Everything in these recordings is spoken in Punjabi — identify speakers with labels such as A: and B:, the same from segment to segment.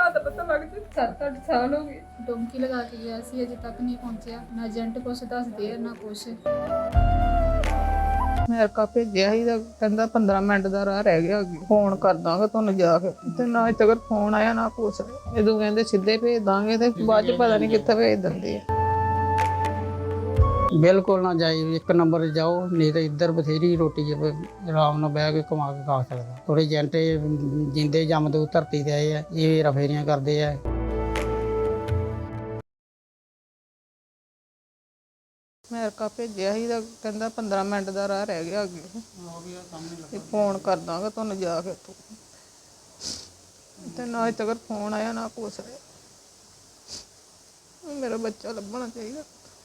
A: ਦਾ ਪਤਾ ਲੱਗ ਜੇ। 7-8 ਸਾਲ ਹੋ ਗਏ।
B: ਡੋਂਕੀ ਲਗਾ ਕੇ ਗਿਆ ਸੀ, ਅਜੇ ਤੱਕ ਨਹੀਂ ਪਹੁੰਚਿਆ। ਨਾ ਏਜੰਟ ਕੁਛ ਦੱਸਦੇ ਆ ਨਾ ਕੁਛ।
A: ਅਮਰੀਕਾ ਭੇਜਿਆ ਸੀ ਤਾਂ ਕਹਿੰਦਾ 15 ਮਿੰਟ ਦਾ ਰਾਹ ਰਹਿ ਗਿਆ, ਫੋਨ ਕਰ ਦਾਂਗਾ ਤੁਹਾਨੂੰ ਜਾ ਕੇ, ਤੇ ਨਾ ਅਜੇ ਤੱਕ ਫੋਨ ਆਇਆ ਨਾ ਕੁਛ। ਜਦੋਂ ਕਹਿੰਦੇ ਸਿੱਧੇ ਭੇਜ ਦਾਂਗੇ ਤੇ ਬਾਅਦ ਚ ਪਤਾ ਨਹੀਂ ਕਿੱਥੇ ਭੇਜ ਦਿੰਦੇ ਆ।
C: ਬਿਲਕੁਲ ਨਾ ਜਾਈ, ਇੱਕ ਨੰਬਰ ਜਾਓ, ਨਹੀਂ ਤਾਂ ਇੱਧਰ ਬਥੇਰੀ ਰੋਟੀ ਆਰਾਮ ਨਾਲ ਬਹਿ ਕੇ ਕਮਾ ਕੇ ਖਾ ਸਕਦਾ। ਥੋੜੇ ਏਜੰਟ ਜਿੰਦੇ ਜੰਮਦੇ ਧਰਤੀ ਤੇ ਆਏ ਆ, ਇਹ ਰਫੇਰੀਆਂ ਕਰਦੇ ਆ।
A: ਅਮਰੀਕਾ ਭੇਜਿਆ ਸੀ ਤਾਂ ਕਹਿੰਦਾ 15 ਮਿੰਟ ਦਾ ਰਾਹ ਰਹਿ ਗਿਆ ਅੱਗੇ, ਤੇ ਫੋਨ ਕਰ ਦਾਂਗਾ ਤੁਹਾਨੂੰ ਜਾ ਕੇ, ਤੇ ਨਾ ਅਜੇ ਤੱਕ ਫੋਨ ਆਇਆ ਨਾ ਕੁਛ। ਮੇਰਾ ਬੱਚਾ ਲੱਭਣਾ ਚਾਹੀਦਾ।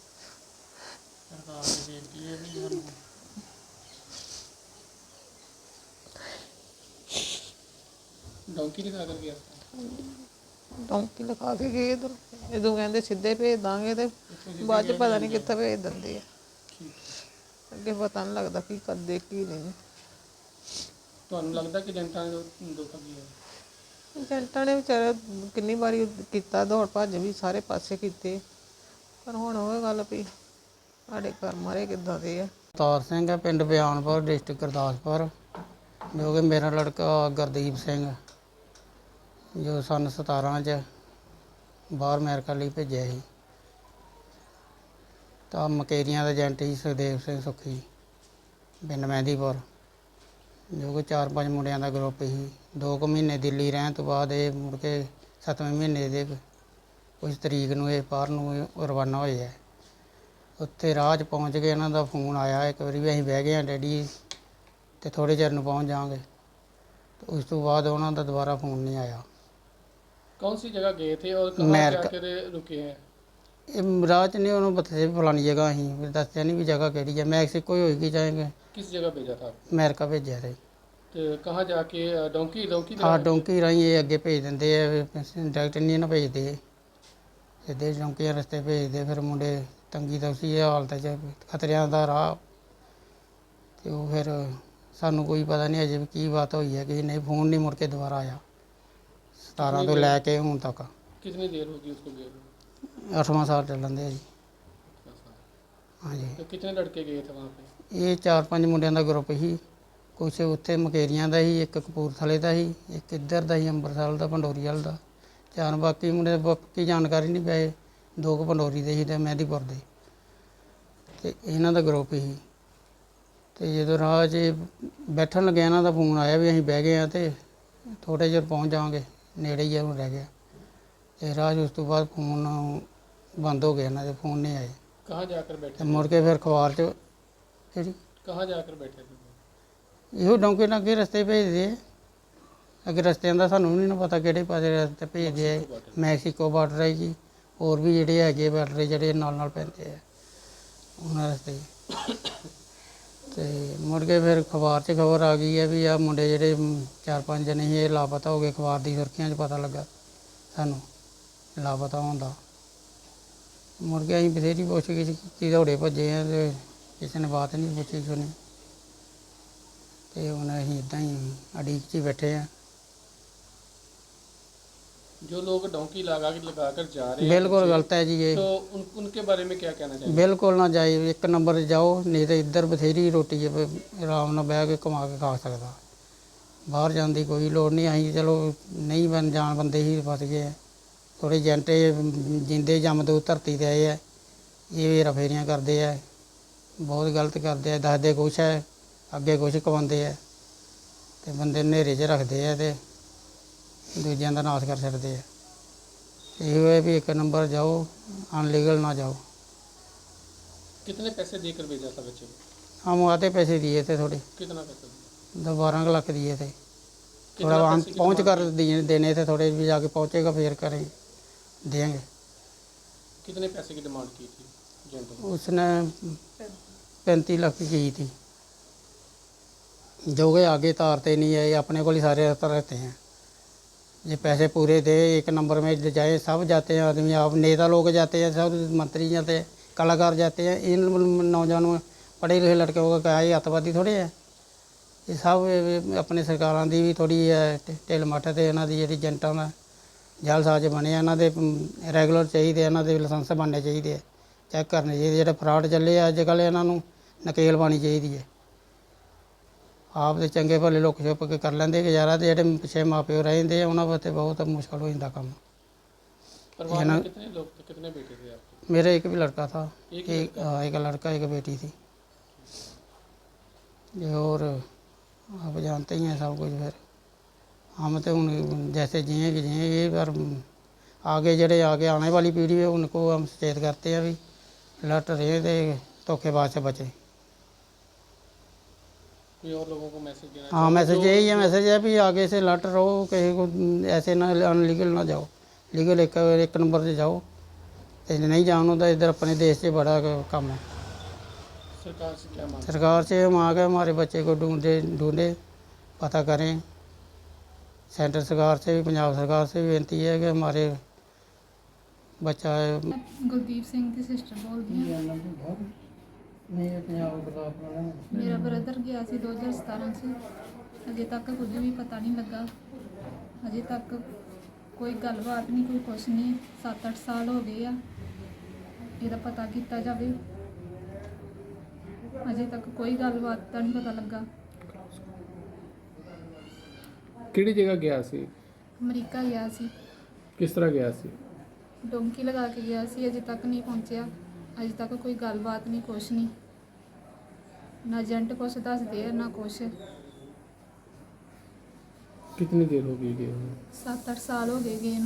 C: ਡੌਂਕੀ ਲਿਖਾ ਕਰ ਗਿਆ,
A: ਡੌਂਕੀ ਲਿਖਾ ਕੇ ਗਏ ਇੱਧਰ, ਜਦੋਂ ਕਹਿੰਦੇ ਸਿੱਧੇ ਭੇਜ ਦਾਂਗੇ ਤੇ ਬਾਅਦ ਚ ਪਤਾ ਨਹੀਂ ਕਿੱਥੇ ਭੇਜ ਦਿੰਦੇ ਆ। ਅੱਗੇ ਪਤਾ ਨਹੀਂ ਲੱਗਦਾ ਕੀ ਕਰਦੇ ਕੀ ਨਹੀਂ।
C: ਤੁਹਾਨੂੰ ਲੱਗਦਾ ਕਿ ਏਜੰਟਾਂ ਨੇ ਧੋਖਾ ਕੀਤਾ?
A: ਏਜੰਟਾਂ ਨੇ ਵਿਚਾਰੇ ਕਿੰਨੀ ਵਾਰੀ ਕੀਤਾ, ਦੌੜ ਭੱਜ ਵੀ ਸਾਰੇ ਪਾਸੇ ਕੀਤੇ, ਪਰ ਹੁਣ ਉਹ ਗੱਲ ਵੀ ਸਾਡੇ ਘਰ ਮਾਰੇ ਕਿੱਦਾਂ ਦੇ ਆ।
C: ਅਵਤਾਰ ਸਿੰਘ ਹੈ, ਪਿੰਡ ਬਿਆਨਪੁਰ, ਡਿਸਟ੍ਰਿਕਟ ਗੁਰਦਾਸਪੁਰ, ਜੋ ਕਿ ਮੇਰਾ ਲੜਕਾ ਗੁਰਦੀਪ ਸਿੰਘ, ਜੋ ਸੰਨ 17 'ਚ ਬਾਹਰ ਅਮਰੀਕਾ ਲਈ ਭੇਜਿਆ ਸੀ। ਤਾਂ ਮਕੇਰੀਆਂ ਦਾ ਏਜੰਟ ਸੀ ਸੁਖਦੇਵ ਸਿੰਘ ਸੁੱਖੀ, ਪਿੰਡ ਮਹਿੰਦੀਪੁਰ, ਜੋ ਕਿ 4-5 ਮੁੰਡਿਆਂ ਦਾ ਗਰੁੱਪ ਸੀ। 2 ਕੁ ਮਹੀਨੇ ਦਿੱਲੀ ਰਹਿਣ ਤੋਂ ਬਾਅਦ ਇਹ ਮੁੜ ਕੇ 7ਵੇਂ ਮਹੀਨੇ ਦੇ ਕੁਝ ਤਰੀਕ ਨੂੰ ਇਹ ਬਾਹਰ ਨੂੰ ਰਵਾਨਾ ਹੋਏ ਹੈ। ਉੱਥੇ ਰਾਹ 'ਚ ਪਹੁੰਚ ਕੇ ਇਹਨਾਂ ਦਾ ਫੋਨ ਆਇਆ ਇੱਕ ਵਾਰੀ ਵੀ ਅਸੀਂ ਬਹਿ ਗਏ ਹਾਂ ਡੈਡੀ, ਅਤੇ ਥੋੜ੍ਹੇ ਚਿਰ ਨੂੰ ਪਹੁੰਚ ਜਾਵਾਂਗੇ। ਉਸ ਤੋਂ ਬਾਅਦ ਉਹਨਾਂ ਦਾ ਦੁਬਾਰਾ ਫੋਨ ਨਹੀਂ ਆਇਆ।
D: कौन सी जगह गए थे और कहाँ जाकर रुके हैं?
C: ਇਹ ਰਾਹ 'ਚ ਨਹੀਂ ਉਹਨੂੰ ਬਥੇ ਫਲਾਣੀ ਜਗ੍ਹਾ ਅਸੀਂ ਦੱਸਿਆ ਨਹੀਂ ਵੀ ਜਗ੍ਹਾ ਕਿਹੜੀ ਹੈ। ਮੈਕਸੀਕੋ ਹੀ ਹੋਏਗੀ ਜਾਏਂਗੇ।
D: किस जगह भेजा था?
C: ਅਮਰੀਕਾ ਭੇਜਿਆ ਸੀ।
D: तो कहाँ जाके डोंकी डोंकी
C: ਹਾਂ, ਡੋਂਕੀ ਰਾਹੀਂ ਇਹ ਅੱਗੇ ਭੇਜ ਦਿੰਦੇ ਆ, ਡਾਇਰੈਕਟ ਨਹੀਂ ਨਾ ਭੇਜਦੇ, ਸਿੱਧੇ ਡੋਂਕੀਆਂ ਰਸਤੇ ਭੇਜਦੇ। ਫਿਰ ਮੁੰਡੇ ਤੰਗੀ ਤੌਸੀ ਹਾਲਤ 'ਚ, ਖਤਰਿਆਂ ਦਾ ਰਾਹ, ਅਤੇ ਉਹ ਫਿਰ ਸਾਨੂੰ ਕੋਈ ਪਤਾ ਨਹੀਂ ਅਜੇ ਵੀ ਕੀ ਬਾਤ ਹੋਈ ਹੈ ਕਿ ਨਹੀਂ। ਫੋਨ ਨਹੀਂ ਮੁੜ ਕੇ ਦੁਬਾਰਾ ਆਇਆ 17 ਤੋਂ ਲੈ ਕੇ ਹੁਣ ਤੱਕ।
D: कितनी देर होगी उसको गए हुए?
C: 8ਵਾਂ ਸਾਲ ਚੱਲਣ ਦੇ ਆ ਜੀ।
D: अच्छा।
C: ਹਾਂਜੀ,
D: तो कितने लड़के गए थे वहाँ पे?
C: ਇਹ 4-5 ਮੁੰਡਿਆਂ ਦਾ ਗਰੁੱਪ ਸੀ। ਕੁਛ ਉੱਥੇ ਮਕੇਰੀਆਂ ਦਾ ਸੀ, ਇੱਕ ਕਪੂਰਥਲੇ ਦਾ ਸੀ, ਇੱਕ ਇੱਧਰ ਦਾ ਸੀ ਅੰਮ੍ਰਿਤਸਰ ਦਾ, ਪੰਡੋਰੀ ਵਾਲ ਦਾ। 4 ਬਾਕੀ ਮੁੰਡੇ ਬਾਕੀ ਜਾਣਕਾਰੀ ਨਹੀਂ ਪਏ। 2 ਕੁ ਪੰਡੋਰੀ ਦੇ ਸੀ ਅਤੇ ਮਹਿੰਦੀਪੁਰ ਦੇ, ਅਤੇ ਇਹਨਾਂ ਦਾ ਗਰੁੱਪ ਸੀ। ਅਤੇ ਜਦੋਂ ਰਾਹ 'ਚ ਬੈਠਣ ਲੱਗਿਆ ਇਹਨਾਂ ਦਾ ਫੋਨ ਆਇਆ ਵੀ ਅਸੀਂ ਬਹਿ ਗਏ ਹਾਂ ਅਤੇ ਥੋੜ੍ਹੇ ਚਿਰ ਪਹੁੰਚ ਜਾਵਾਂਗੇ, ਨੇੜੇ ਹੀ ਹੁਣ ਰਹਿ ਗਿਆ। ਅਤੇ ਰਾਹ 'ਚ ਉਸ ਤੋਂ ਬਾਅਦ ਫੋਨ ਬੰਦ ਹੋ ਗਿਆ, ਇਹਨਾਂ ਦੇ ਫੋਨ ਨਹੀਂ ਆਏ।
D: कहाँ जाकर बैठे
C: ਅਤੇ ਮੁੜ ਕੇ ਫਿਰ ਅਖਬਾਰ 'ਚ ਕਿਹੜੀ
D: कहाँ जाकर बैठे थे?
C: ਇਹੋ ਡੌਂਕੇ ਨਾਲ ਅੱਗੇ ਰਸਤੇ ਭੇਜਦੇ ਆ। ਅੱਗੇ ਰਸਤਿਆਂ ਦਾ ਸਾਨੂੰ ਵੀ ਨਹੀਂ ਪਤਾ ਕਿਹੜੇ ਪਾਸੇ ਰਸਤੇ ਭੇਜਦੇ ਆ। ਮੈਕਸੀਕੋ ਬਾਰਡਰ ਹੈ ਜੀ, ਹੋਰ ਵੀ ਜਿਹੜੇ ਹੈਗੇ ਬਾਰਡਰ ਜਿਹੜੇ ਨਾਲ ਨਾਲ ਪੈਂਦੇ ਆ ਉਹਨਾਂ ਰਸਤੇ। ਅਤੇ ਮੁੜ ਕੇ ਫਿਰ ਅਖਬਾਰ 'ਚ ਖਬਰ ਆ ਗਈ ਹੈ ਵੀ ਆਹ ਮੁੰਡੇ ਜਿਹੜੇ 4-5 ਜਣੇ ਸੀ ਇਹ ਲਾਪਤਾ ਹੋ ਗਏ। ਅਖਬਾਰ ਦੀ ਸੁਰਖੀਆਂ 'ਚ ਪਤਾ ਲੱਗਾ ਸਾਨੂੰ ਲਾਪਤਾ ਹੋਣ ਦਾ। ਮੁੜ ਕੇ ਅਸੀਂ ਬਥੇਰੀ ਪੁੱਛ-ਗਿੱਛ ਕੀਤੀ, ਦੌੜੇ ਭੱਜੇ ਆ ਅਤੇ ਕਿਸੇ ਨੇ ਬਾਤ ਨਹੀਂ ਪੁੱਛੀ ਸੁਣੀ। ਅਤੇ ਹੁਣ ਅਸੀਂ ਇੱਦਾਂ ਹੀ ਉਡੀਕ 'ਚ ਹੀ ਬੈਠੇ ਹਾਂ।
D: जो लोग डोंकी लगा कर जा रहे हैं
C: ਬਿਲਕੁਲ ਗਲਤ ਹੈ ਜੀ ਇਹ।
D: तो उनके बारे में क्या कहना चाहिए?
C: ਬਿਲਕੁਲ ਨਾ ਜਾਏ, ਇੱਕ ਨੰਬਰ ਜਾਓ, ਨਹੀਂ ਤਾਂ ਇੱਧਰ ਬਥੇਰੀ ਰੋਟੀ ਆਰਾਮ ਨਾਲ ਬਹਿ ਕੇ ਕਮਾ ਕੇ ਖਾ ਸਕਦਾ। ਬਾਹਰ ਜਾਣ ਦੀ ਕੋਈ ਲੋੜ ਨਹੀਂ। ਅਸੀਂ ਚਲੋ ਨਹੀਂ ਜਾਣ ਬੰਦੇ ਹੀ ਫਸ ਗਏ ਆ। ਥੋੜ੍ਹੇ ਏਜੰਟ ਜਿੰਦੇ ਜੰਮਦੇ ਧਰਤੀ 'ਤੇ ਆਏ ਆ, ਇਹ ਰਫੇਰੀਆਂ ਕਰਦੇ ਆ, ਬਹੁਤ ਗਲਤ ਕਰਦੇ ਆ। ਦੱਸਦੇ ਕੁਛ ਹੈ, ਅੱਗੇ ਕੁਛ ਕਮਾਉਂਦੇ ਆ, ਅਤੇ ਬੰਦੇ ਹਨੇਰੇ 'ਚ ਰੱਖਦੇ ਆ ਅਤੇ ਦੂਜਿਆਂ ਦਾ ਨਾਸ਼ ਕਰ ਛੱਡਦੇ ਆ। ਇਹੋ ਹੈ ਵੀ ਇੱਕ ਨੰਬਰ ਜਾਓ, ਅਨਲੀਗਲ ਨਾ ਜਾਓ।
D: कितने पैसे देकर भेजा था बच्चे को?
C: हम आते पैसे दिए थे थोड़े,
D: कितना पैसा दिया?
C: 12 लाख दिए थे।
D: कितना
C: थोड़ा वहाँ
D: पैसे की
C: पहुँच कर
D: डिमांड
C: देने थे थोड़े, भी जाके पहुँचेगा फिर करें देंगे।
D: की? कितने पैसे की डिमांड की थी एजेंट ने?
C: उसने 35 लाख की थी, जो कि आगे तारते नहीं है, ये अपने को ही सारे रहते हैं। ये पैसे पूरे थे, एक नंबर में जाए सब जाते हैं आदमी, आप नेता लोग जाते हैं, सब मंत्री जाते हैं, कलाकार जाते हैं। इन नौजवानों पढ़े लिखे लड़कों का क्या है, अतवादी थोड़े है। ये सब अपने सरकारों की भी थोड़ी ढिल मੱਠ ਤੇ ਇਹਨਾਂ ਦੀ ਜਿਹੜੀ ਏਜੰਟਾਂ ਦਾ ਜਾਲਸਾਜ਼ ਬਣੇ ਆ, ਇਹਨਾਂ ਦੇ ਰੈਗੂਲਰ ਚਾਹੀਦੇ, ਇਹਨਾਂ ਦੇ ਲਾਇਸੈਂਸ ਬਣਨੇ ਚਾਹੀਦੇ ਆ, ਚੈੱਕ ਕਰਨੇ ਚਾਹੀਦੇ। ਜਿਹੜੇ ਫਰਾਡ ਚੱਲੇ ਆ ਅੱਜ ਕੱਲ੍ਹ, ਇਹਨਾਂ ਨੂੰ ਨਕੇਲ ਪਾਉਣੀ ਚਾਹੀਦੀ ਹੈ। ਆਪ ਦੇ ਚੰਗੇ ਭਲੇ ਲੁੱਕ ਛੁਪ ਕੇ ਕਰ ਲੈਂਦੇ ਗੁਜ਼ਾਰਾ, ਤੇ ਜਿਹੜੇ ਪਿੱਛੇ ਮਾਪਿਓ ਰਹਿੰਦੇ ਆ ਉਹਨਾਂ ਵਾਸਤੇ ਬਹੁਤ ਮੁਸ਼ਕਲ ਹੋ ਜਾਂਦਾ ਕੰਮ।
D: परिवार में कितने लोग थे, कितने बेटे थे आपके?
C: मेरे एक भी लड़का था,
D: एक
C: एक लड़का एक बेटी थी। ये और आप जानते ही हैं सब कुछ। फिर हम तो उन जैसे जिएंगे पर आगे जड़े आगे आने वाली पीढ़ी है उनको हम सचेत करते हैं भी लट रहे थे, धोखेबाज से बचे।
D: कोई और लोगों को मैसेज देना?
C: हाँ, मैसेज यही है, मैसेज है भी आगे से लट रहो, कहीं को ऐसे ना अनलीगल ना जाओ, लीगल एक नंबर से जाओ। तो नहीं जानो तो इधर अपने देश से बड़ा काम है।
D: सरकार से क्या मांग?
C: सरकार से हम आ गए हमारे बच्चे को ढूंढे पता करें। सेंटर सरकार से भी पंजाब सरकार से भी बेनती है कि हमारे बच्चा
B: मैं गुरदीप सिंह की सिस्टर बोलती ਹਾਂ। ਮੇਰਾ ਬ੍ਰਦਰ ਗਿਆ ਸੀ 2017 ਚ, ਅਜੇ ਤੱਕ ਕੁਝ ਵੀ ਪਤਾ ਨਹੀਂ ਲੱਗਾ। ਅਜੇ ਤੱਕ ਕੋਈ ਗੱਲਬਾਤ ਨਹੀਂ, ਕੋਈ ਕੁਛ ਨਹੀਂ। 7-8 ਸਾਲ ਹੋ ਗਏ ਆ, ਇਹਦਾ ਪਤਾ ਕੀਤਾ ਜਾਵੇ। ਅਜੇ ਤੱਕ ਕੋਈ ਗੱਲਬਾਤ ਦਾ ਨਹੀਂ ਪਤਾ ਲੱਗਾ।
D: ਕਿਹੜੀ ਜਗ੍ਹਾ ਗਿਆ ਸੀ?
B: ਅਮਰੀਕਾ ਗਿਆ ਸੀ,
D: ਕਿਸ ਤਰ੍ਹਾਂ ਗਿਆ ਸੀ?
B: ਡੋਂਕੀ ਲਗਾ ਕੇ ਗਿਆ ਸੀ। ਅਜੇ ਤੱਕ ਨਹੀਂ ਪਹੁੰਚਿਆ। ਅਜੇ ਤੱਕ ਕੋਈ ਗੱਲਬਾਤ ਨਹੀਂ, ਕੁਛ ਨਹੀਂ। ਨਾ ਏਜੰਟ ਕੁਛ ਦੱਸਦੇ ਆ ਨਾ ਕੁਛ।
D: कितनी देर हो गई गए हुए?
B: 7-8 ਸਾਲ ਹੋ ਗਏ ਗਏ ਨੂੰ।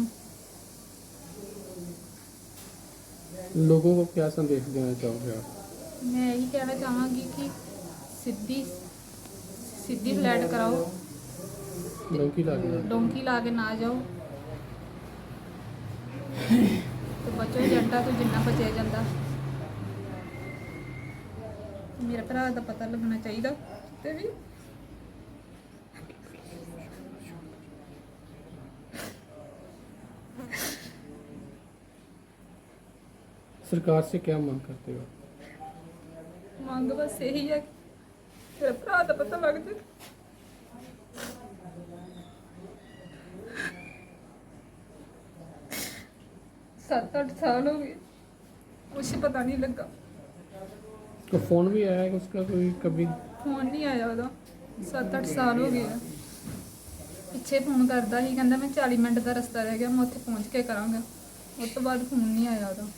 D: लोगों को क्या संदेश देना चाहोगे आप?
B: मैं यही कहना चाहांगी कि सीधी फ्लैट कराओ,
D: डोंकी लगा?
B: डोंकी ला के ना जाओ तो बचो ਏਜੰਟਾਂ ਤੋਂ ਜਿੰਨਾ ਬਚਿਆ ਜਾਂਦਾ। ਮੇਰੇ ਭਰਾ ਦਾ ਪਤਾ ਲੱਗਣਾ ਚਾਹੀਦਾ ਤੇ ਵੀ।
D: सरकार से क्या मांग करते हो?
B: ਮੰਗ ਬਸ ਇਹੀ ਹੈ ਕਿ ਮੇਰੇ ਭਰਾ ਦਾ ਪਤਾ ਲੱਗ ਜਾਏ। 7-8 साल हो गए, कुछ पता नहीं लगा।
D: तो फोन भी आया है उसका कोई कभी?
B: फोन नहीं आया ਉਹਦਾ। 7-8 ਸਾਲ ਹੋ ਗਏ ਆ। ਪਿੱਛੇ ਫੋਨ ਕਰਦਾ ਸੀ, ਕਹਿੰਦਾ ਮੈਂ 40 ਮਿੰਟ ਦਾ ਰਸਤਾ ਰਹਿ ਗਿਆ, ਮੈਂ ਉੱਥੇ ਪਹੁੰਚ ਕੇ ਕਰਾਂਗਾ। ਉਸ ਤੋਂ ਬਾਅਦ ਫੋਨ ਨਹੀਂ ਆਇਆ ਉਹਦਾ।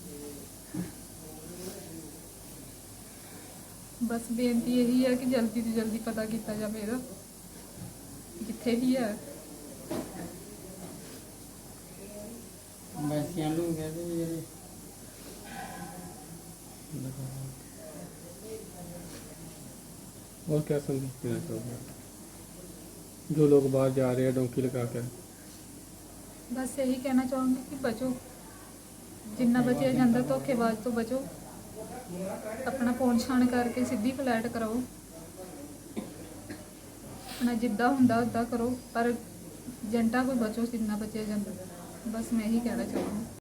B: ਬਸ ਬੇਨਤੀ ਇਹੀ ਹੈ ਕਿ ਜਲਦੀ ਤੋਂ ਜਲਦੀ ਪਤਾ ਕੀਤਾ ਜਾਵੇ ਇਹਦਾ, ਜਿੱਥੇ ਵੀ ਹੈ।
C: ਵੈਸਿਆਂ ਨੂੰ ਕਹਿੰਦੇ ਵੀ ਜਿਹੜੇ
D: और क्या संदेश देना चाहोगे जो लोग बाहर जा रहे हैं डोंकी लगा कर?
B: बस यही कहना चाहूँगी कि बचो, जिन्ना बचे ਜਾਂਦਾ ਧੋਖੇਬਾਜ਼ ਤੋਂ बचो। अपना फोन छान करके सीधी फ्लैट कराओ, अपना जिद्दा हुंदा उदा करो, पर ਏਜੰਟਾਂ कोई बचो जिन्ना बचे ਜਾਂਦਾ। बस मैं यही कहना चाहूँगी।